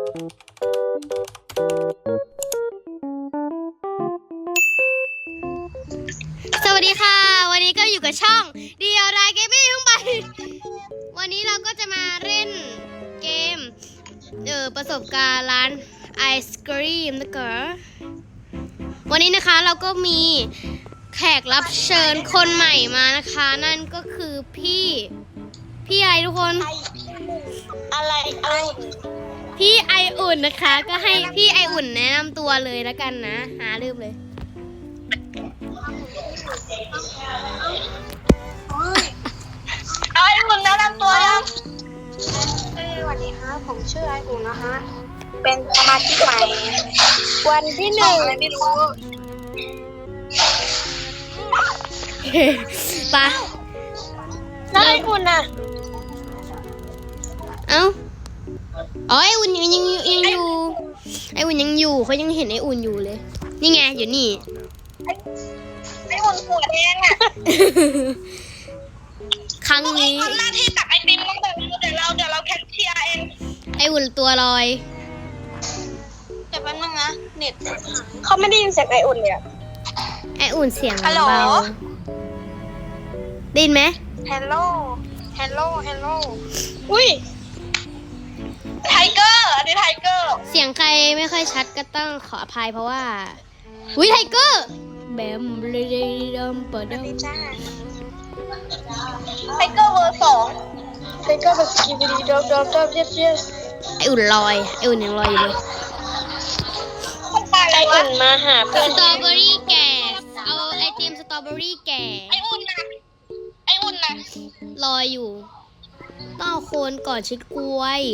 สวัสดีค่ะวันนี้ก็อยู่กับช่องเดียวดายเกมมิ่งไปวันนี้เราก็จะมาเล่นเกมประสบการณ์ร้านไอศกรีมนะคะวันนี้นะคะเราก็มีแขกรับเชิญคนใหม่มานะคะนั่นก็คือพี่ไอทุกคนอะไรพี่ไออุ่นนะคะก็ให้พี่ไออุ่นแนะนำตัวเลยแล้วกันนะลืมเลยไออุ่นแนะนำตัวยังสวัสดีครับผมชื่อไออุ่นนะฮะเป็นสมาชิกใหม่วันที่1อะไรไม่รู้ปะแล้วไออุ่นน่ะอ๋อไออุ่นยังอยู่ไออุ่นยังอยู่เขายังเห็นไออุ่นอยู่เลยนี่ไงอยู่นี่ไออุ่นหัวแดงอ่ะครั้งนี้ทำหน้าที่ตักไอติมตั้งแต่เดี๋ยวเราแคชเชียร์เองไออุ่นตัวลอยแต่แป๊บนึงนะเน็ตเขาไม่ได้ยินเสียงไออุ่นเลยอะไออุ่นเสียงเบาได้ยินไหมฮัลโหลอุ้ยไทเกอร์อันนี้ไทเกอร์เสียงใครไม่ค่อยชัดก็ต้องขออภัยเพราะว่าไทเกอร์แบมเบลเดมปะดมไทเกอร์เวอร์2ไทเกอร์แบบกีบีดีดอมเยสไออุ่นลอยไออุ่นยังลอยอยู่เลยไออุ่นมาหาเพื่อนสตรอเบอรี่แก่เอาไอติมสตรอเบอรี่แก่ไออุ่นนะลอยอยู่ต้องเอาโคนก่อนชิดกล้วย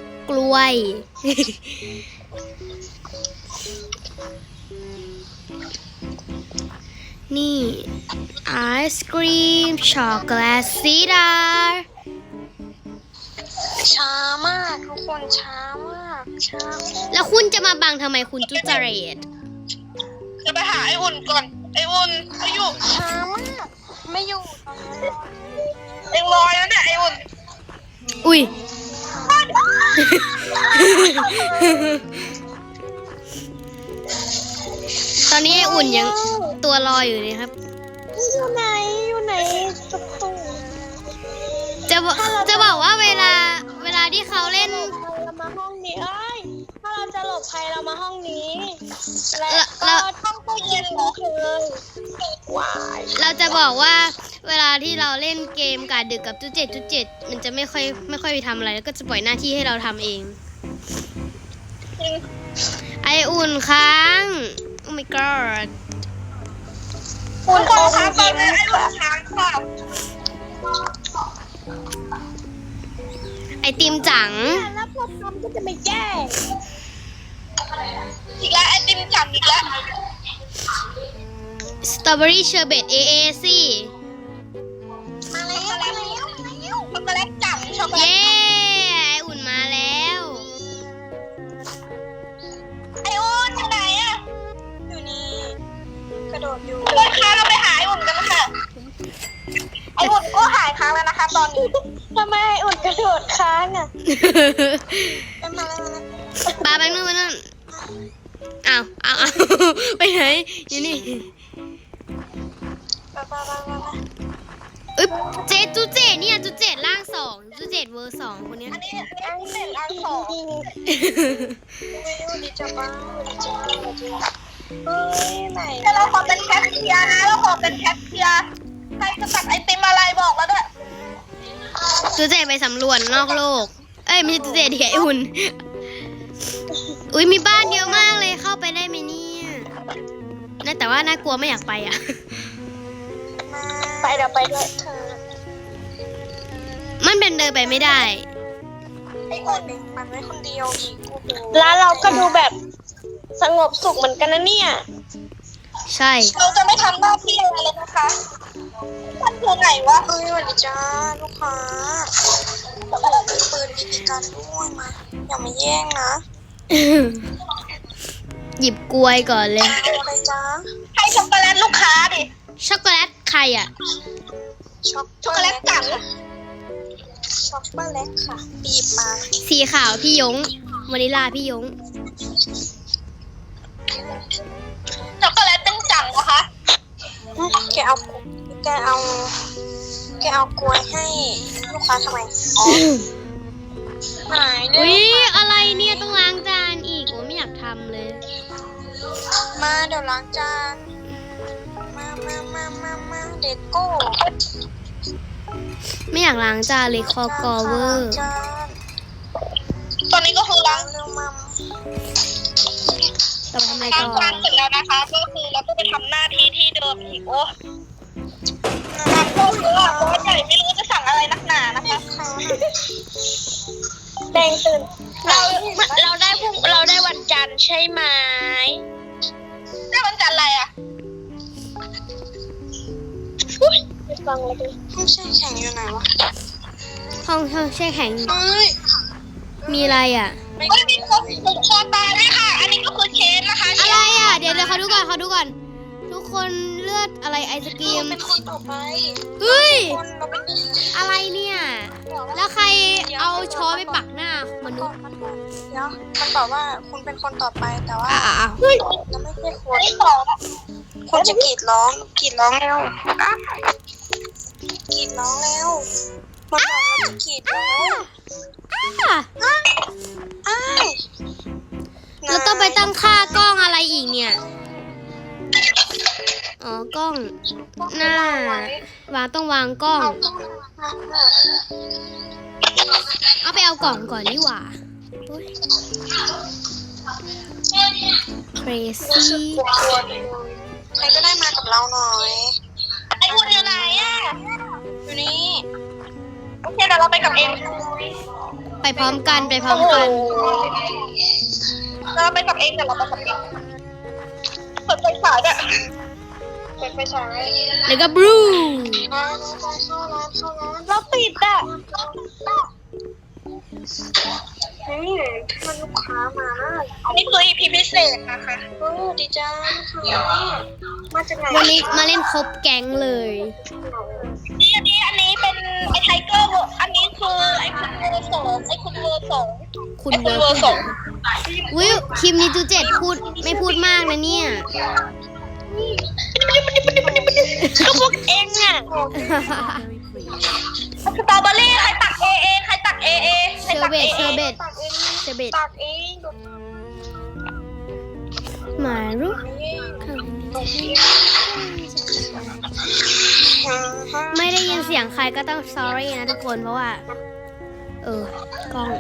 นี่ไอศกรีมช็อกโกแลตซีดาร์ช้ามากทุกคนช้ามากแล้วคุณจะมาบังทำไมคุณจุจเรตจะไปหาไออุ่นก่อนไออุ่นเขาอยู่ช้ามากไม่อยู่เองลอยแล้วเนี่ยไออุ่นอุ้ยตอนนี้ไออุ่นยังตัวลอยอยู่เลยครับอยู่ไหนตุ๊กจะบอกว่าเวลาที่เขาเล่นเรามาห้องนี้ถ้าเราจะหลบภัยเรามาห้องนี้แล้วก็ห้องตู้เย็นเลยเราจะบอกว่าเวลาที่เราเล่นเกมกาดึกกับจุดเจ็ดมันจะไม่ค่อยไปทำอะไรแล้วก็จะปล่อยหน้าที่ให้เราทำเองไออุ่นค้างโอ้ my god คุณค้างตอนนี้ไออุ่นค้างค่ะไอติมจังแล้วพวกทำก็จะไม่แย่อีกแล้วไอติมจังอีกแล้วสตรอเบอรี่เชอร์เบต AAC มาแล้วช็อกโกแลตจังช็อกโกแลตเย้ไออุ่นมาแล้วไออุ่นอยู่ไหนอะอยู่นี่กระโดดอยู่เลยค่ะเราไปหาไออุ่นกันค่ะไออุ่นก็หายค้างแล้วนะคะตอนนี้ทำไมไออุ่นกระโดดค้างอะมาแล้วปาไปนู่นอ้าวไปไหนอยู่นี่จุเจเนี่ยจุเจล่าง2จุเจเวอร์2คนนี้อันนี้ล่าง2ดีจังบ้างไหนแต่เราขอเป็นแคชเชียร์นะใครจะตักไอติมอะไรบอกแล้วด้วยจุเจไปสำรวจนอกโลกไม่ใช่จุเจดิไออุ่นอุ้ยมีบ้านเยอะมากเลยเข้าไปได้ไหมเนี่ยน่าแต่ว่าน่ากลัวไม่อยากไปอ่ะไปเดี๋ยวไปด้วยเธอมันเป็นเดินไปไม่ได้ไอ้คนหนึ่งมันไว้คนเดียวอีกแล้วเราก็ดูแบบสงบสุขเหมือนกันนะเนี่ยใช่เราจะไม่ทำหน้าที่อะไรเลยนะคะมันคือไหนวะสวัสดีจ้าลูกค้าโอ้โหมีปืนมีการด้วยมาอย่ามาแย่งนะหยิบกล้วยก่อนเลยอะไรจ้าให้ช็อกโกแลตลูกค้าดิช็อกโกแลตใครอ่ะช็อกโกแลตจังช็อกโกแลตค่ะบีบมาสีขาวพี่ยงวานิลลาพี่ยงช็อกโกแลตเป็นจังนะคะแกเอากล้วยให้ลูกค้าทำไมอ๋อหายเลอุ้ยยอะไรเนี่ยต้องล้างจานอีกโอ้ไม่อยากทำเลยมาเดี๋ยวล้างจานมาเด็กโก้ไม่อยากล้างจานเลยคอกอเวอร์ตอนนี้ก็คือล้างเร็วมัมต้องทำอะไรล้าต่งอจานเสร็จแล้วนะคะก็คือเราก็ไปทำหน้าที่ที่เดิมอีกโอ้นะคะโคตรเยอะโคตรใหญ่ไม่รู้จะสั่งอะไรนักหนานะคะแดงตื่นเราได้วันจันทร์ใช่ไหมได้วันจันทร์อะไรอ่ะไปฟังเลยดิห้องแช่แข็งอยู่ไหนวะห้องแช่แข็งเฮ้ยมีอะไรอ่ะไม่มีคนผูกคอตายด้วยค่ะ อันนี้ก็คือเคสนะคะอะไรอ่ะ เดี๋ยวเขาดูก่อน ทุกคนเลือดอะไรไอศกรีมเป็นคนต่อไปเฮ้ยคนเราเป็นอะไรเนี่ย แล้วใครเอาช้อนไปปักหน้ามนุษย์เดี๋ยวมันบอกว่าคุณเป็นคนต่อไปแต่ว่าเฮ้ยเราไม่ใช่คนคุณจะกรีดร้องเร็วกรีดร้องเร็วมันบอกเราจะกรีดร้อง อ้ายเราต้องไปตั้งค่ากล้องอะไรอีกเนี่ย อ๋อกล้อง หน้าวางต้องวางกล้อง เอาไปเอากล่องก่อนดีกว่าโอ๊ย crazy ใครก็ได้มากับเราหน่อย ไอ้อุ่นอยู่ไหนอ่ะ อยู่นี่โอเคเดี๋ยวเราไปกับเองไปพร้อมกันเราไปกับเองเดี๋ยวเราไปกับเองเปิดไฟฉายด้วยเปิดไฟฉายแล้วก็บลูเข้าร้านเราปิดอ่ะมันลูกค้ามาอันนี้คือ EP พิเศษนะคะดีจ้าค่ะมาจากไหนวันนี้มาเล่นครบแก๊งเลยอันนี้เป็นไอ้ไทเกอร์อันนี้คือไอ้คุณเวอร์สองคุณเวอร์สองวิวคลิปนี้จูเจ็ดไม่พูดมากนะเนี่ยก็พวกเองอ่ะสตรอเบอรี่ใครตักใครตักเอเชอร์เบตตักเองหมารุไม่ได้ยินเสียงใครก็ต้อง sorry นะทุกคนเพราะว่ากล้อง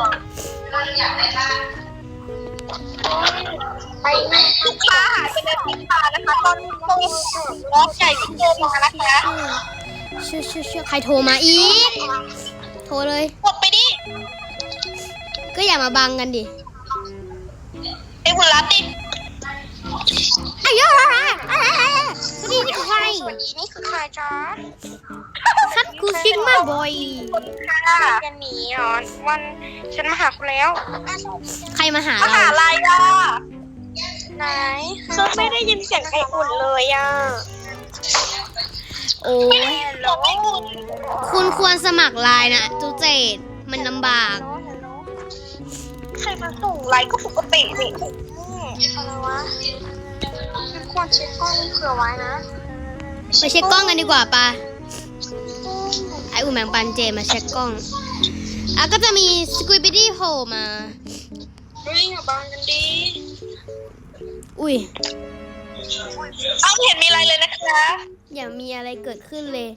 ไปลูกค้าหายไปในพิซซ่านะคะตอนนี้โตรถใหญ่ที่โทรมานะคะชื่อใครโทรมาอีก โทรเลยกดไปดิก็อย่ามาบังกันดิไอ้หุ่นรับดิอ้ยนี่คือใครนี่คือใครจ๊ะคัดกูซิกมาบอยค่ะจะหนีเหรอวันฉันมาหาคุณแล้วใครมาหามาเราหาอะไรอ่ะไหนก็ไม่ได้ยินเสียงไอ้อุ่นเลยอ่ะโอ้ยเราไม่อุ่นคุณควรสมัครไลน์นะจูเจตมันลำบากใครมาส่งไลน์ก็ปกตินี่อะไรวะฉันควรเช็คกล้องเผื่อไว้นะไปเช็คกล้องกันดีกว่าปะไออุ่นแมงปันเจมาเช็คกล้องก็จะมีสควิปปี้โผล่มาเฮ้ยอย่าบังกันดีอุ้ยเอาเห็นมีอะไรเลยนะคะอย่ามีอะไรเกิดขึ้นเลย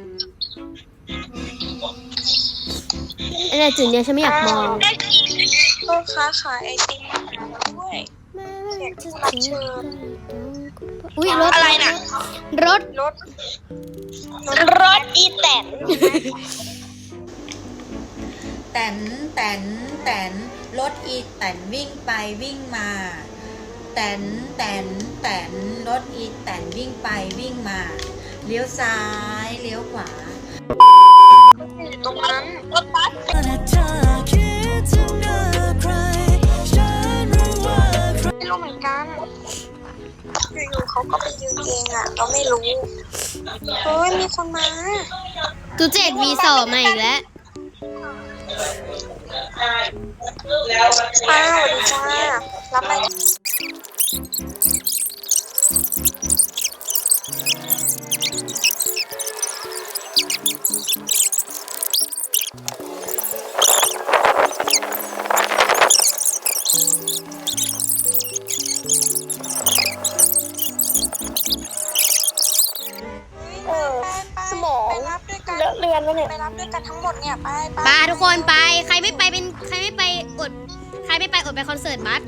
อะไรจุดเนี้ยฉันไม่อยากมองพ่อค้าขายไอติมด้วยรับเชิญอุ้ยรถอะไรน่ะรถรถอีแตนแตนรถอีแตนวิ่งไปวิ่งมาแตนรถอีแตนวิ่งไปวิ่งมาเลี้ยวซ้ายเลี้ยวขวาอยู่ตรงนั้นรถบัสไม่รู้เหมือนกันอยู่ๆเขาก็ไปยืนเองอ่ะ เราไม่รู้เฮ้ยมีคนมาจูเจตวีสอบมาอีกแล้วอ้าวดีจ้ารับไหมสมองเลอะเลือนแล้วเนี่ยไปรับด้วยกันทั้งหมดเนี่ยไปไปทุกคนไปใครไม่ไปอดไปคอนเสิร์ตบัส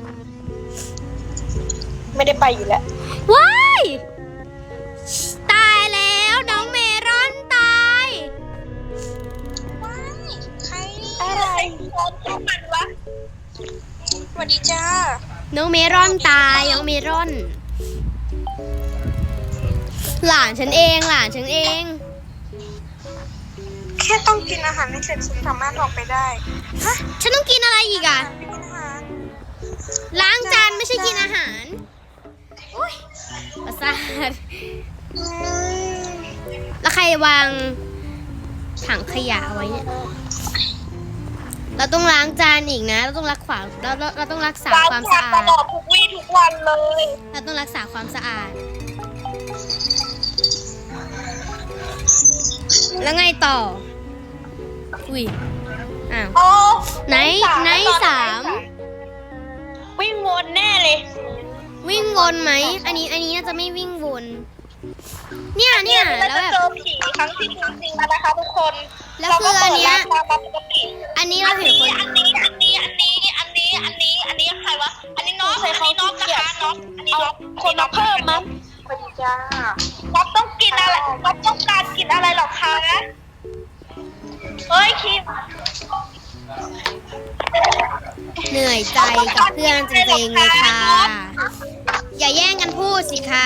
ไม่ได้ไปอยู่แล้วว้ายตายแล้วน้องเมรอนตายว้ายใครอะไรทุกมันวะสวัสดีจ้าน้องเมรอนตายน้องเมรอน หลานฉันเองแค่ต้องกินอาหารให้เสร็จฉันสามารถออกไปได้ฮะฉันต้องกินอะไรอีกอะไม่กินอาหารล้างจานไม่ใช่กินอาหารอุ้ยประสาทอืมแล้วใครวางถังขยะเอาไว้เนี่ยเราต้องล้างจานอีกนะเราต้องรักษาเราต้องรักษาความสะอาตดลอดทุกวี่ทุกวันเลยเราต้องรักษาความสะอาด แล้วไงต่อ อุ้ย อ้าวโอ้ไหนสามวิ่งวนแน่เลยวิ่งวนไหม อันนี้น่าจะไม่วิ่งวน เนี่ยเราแล้วจะแบบเจอผีครั้งที่จริงๆแล้วนะคะทุกคนแล้วคืออันเนี้ยเราก็เปิดร้านตามปกติอันนี้เราเห็นคนอันนี้ใครวะ อันนี้น้องนะคะน้องอันนี้น้องคนมาเพิ่มมั้งสวัสดีจ้าน้องต้องกินอะไรน้องต้องการกินอะไรหรอคะเฮ้ยคิมเหนื่อยใจกับเพื่อนจริงๆเลยค่ะ อย่าแย่งกันพูดสิคะ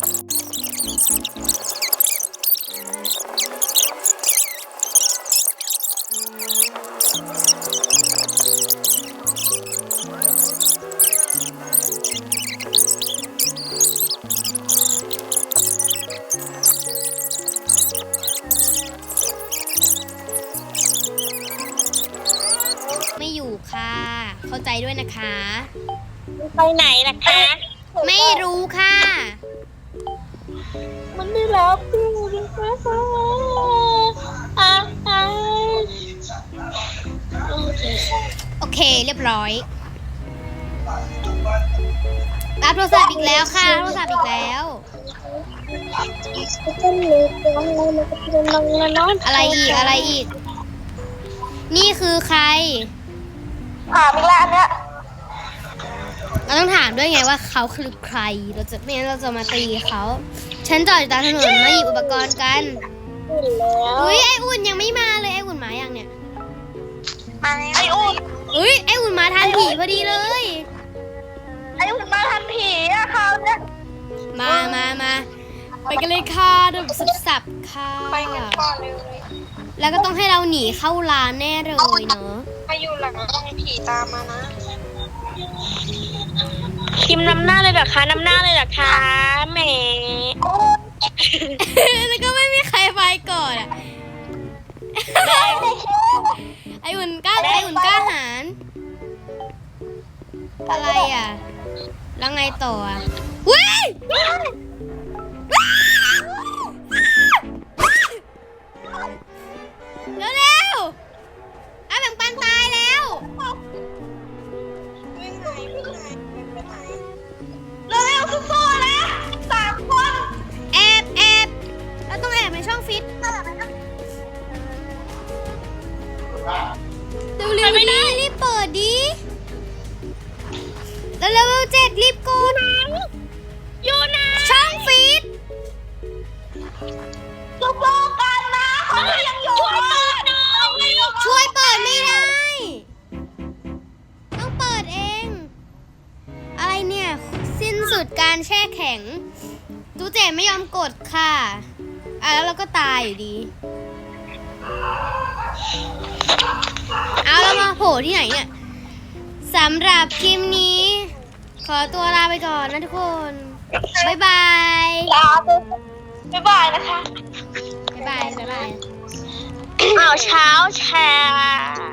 ไม่อยู่ค่ะ เข้าใจด้วยนะคะไปไหนล่ะคะไม่รู้ค่ะมันไม่รับอยู่นะคะโอเคเรียบร้อย รับโทรศัพท์อีกแล้วค่ะรับโทรศัพท์อีกแล้ว อะไรอีก นี่คือใครถามอีกแล้วอันเนี้ยเราต้องถามด้วยไงว่าเขาคือใคร เราจะไม่งั้นเราจะมาตีเขา ฉันจอดอยู่ตามถนนมาหยิบอุปกรณ์กัน อุ้ยไออุ่นยังไม่มาเลยไออุ่นมายังเนี่ยไออุ่นอุ้ยไออุ่นมาทันผีพอดีเลยไออุ่นมาทันผีอะเขาเนี่ยมาไปกันเลยค่ะดูสับค่ะไปกันก่อนเลยแล้วก็ต้องให้เราหนีเข้าร้านแน่เลยเนอะถ้าอยู่หลังต้องมีผีตามมานะคิมนำหน้าเลยเหรอคะแหมแล้วก็ไม่มีใครไปก่อนอะไออุ่นกล้าหาญอะไรอ่ะ แล้วไงต่ออ่ะว้ายเร็วไอ้แบ่งปันตายแล้ววิ่งไหนเร็วสู้ๆนะ3 คนแอบเราต้องแอบในช่องฟิตเร็วๆรีบเปิดดิแล้วเลเวล7รีบกดอยู่ไหนช่องฟิตสู้ๆกันนะเขายังอยู่ช่วยเปิดหน่อยช่วยเปิดไม่ได้ ต้องเปิดเอง อะไรเนี่ย สิ้นสุดการแช่แข็งตูเจไม่ยอมกดค่ะแล้วเราก็ตายอยู่ดี เอาแล้วมาโผล่ที่ไหนเนี่ยสำหรับคลิปนี้ ขอตัวลาไปก่อนนะทุกคน บ๊ายบายบ๊ายบายนะคะบ๊ายบายอ้าวเช้าแชร์